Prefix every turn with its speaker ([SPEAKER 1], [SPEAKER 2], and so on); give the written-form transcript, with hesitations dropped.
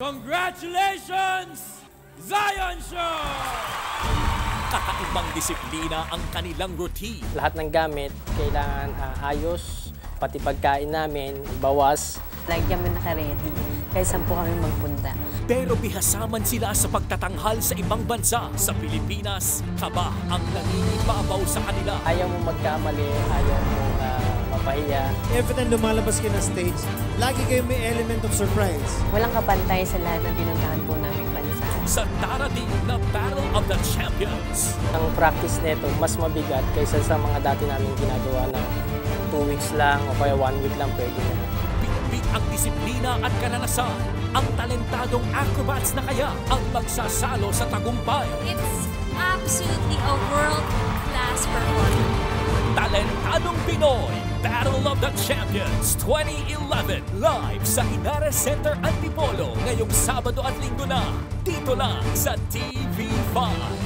[SPEAKER 1] Congratulations, Zion Show!
[SPEAKER 2] Kakaibang disiplina ang kanilang routine.
[SPEAKER 3] Lahat ng gamit kailangan ayos, pati pagkain namin, bawas.
[SPEAKER 4] Lagi kami naka-ready, kahit saan po kami magpunta.
[SPEAKER 2] Pero bihasaman sila sa pagtatanghal sa ibang bansa. Sa Pilipinas, kaba ang nangingibabaw sa kanila.
[SPEAKER 3] Ayaw mo magkamali, ayaw mo mapahiya.
[SPEAKER 5] Every time lumalabas kayo ng stage, lagi kayo may element of surprise.
[SPEAKER 4] Walang kapantay sa lahat ng pinuntahan po naming bansa.
[SPEAKER 2] Sa darating na Battle of the Champions.
[SPEAKER 3] Ang practice nito mas mabigat kaysa sa mga dati namin ginagawa na 2 weeks lang o kaya 1 week lang pwede na.
[SPEAKER 2] Bitbit ang disiplina at karanasan. Ang talentadong acrobats na kaya ang magsasalo sa tagumpay.
[SPEAKER 6] It's absolutely a world-class performance.
[SPEAKER 2] Talentadong Pinoy, Battle of the Champions 2011, live sa Inares Center Antipolo ngayong Sabado at Linggo na, dito lang sa TV5.